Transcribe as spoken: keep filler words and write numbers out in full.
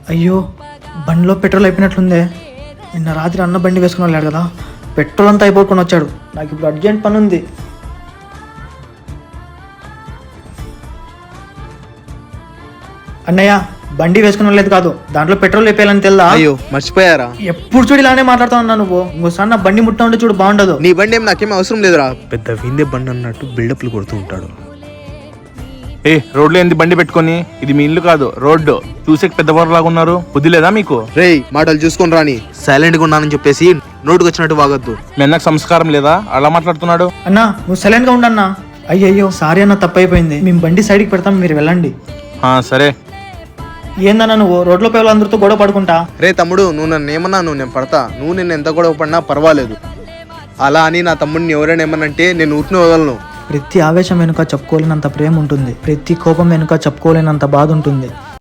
అయ్యో బండిలో పెట్రోల్ అయిపోయినట్లుందే. నిన్న రాత్రి అన్న బండి వేసుకుని వెళ్ళాడు కదా, పెట్రోల్ అంతా అయిపోకుండా వచ్చాడు. నాకు ఇప్పుడు అర్జెంట్ పని ఉంది. అన్నయ్య బండి వేసుకుని వెళ్ళలేదు కాదు, దాంట్లో పెట్రోల్ అయిపోయాలని తెల్దా? అయ్యో మర్చిపోయారా? ఎప్పుడు చూడు ఇలానే మాట్లాడుతా ఉన్నా నువ్వు. ఇంకోసారి నా బండి ముట్టా ఉంటే చూడు బాగుండదు. నీ బండి ఏం నాకేం అవసరం లేదురా. పెద్ద విందే బండి అన్నట్టు బిల్డప్లు కొడుతూ ఉంటాడు. ఏ రోడ్లో ఏంది బండి పెట్టుకొని? ఇది మీ ఇల్లు కాదు, రోడ్డు. చూసే పెద్దవారులాగా ఉన్నారు, బుద్ధి లేదా మీకు? రేయ్ మాటలు చూసుకొని రాని. సైలెంట్ గా ఉన్నానని చెప్పేసి నోటుకు వచ్చినట్టు వాగద్దు. మీ అన్నకు సంస్కారం లేదా? అలా మాట్లాడుతున్నాడు. అన్నా నువ్వు సైలెంట్ గా ఉండన్నా. అయ్యయ్యో సారీ అన్న, తప్పైపోయింది. మేము బండి సైడ్కి పెడతాం, మీరు వెళ్ళండి. ఆ, సరే. ఏందన్నా నువ్వు రోడ్లో పోయే వాళ్ళందరితో గొడవ పడుకుంటా? రే తమ్ముడు, నువ్వు నన్ను ఏమన్నా నువ్వు నేను పడతా. నువ్వు నేను ఎంత గొడవ పడినా పర్వాలేదు. అలా అని నా తమ్ముడిని ఎవరైనా ఏమనంటే నేను ఊరిని వదలను. ప్రతి ఆవేశం వెనుక చెప్పుకోలేనంత ప్రేమ ఉంటుంది, ప్రతి కోపం వెనుక చెప్పుకోలేనంత బాధ ఉంటుంది.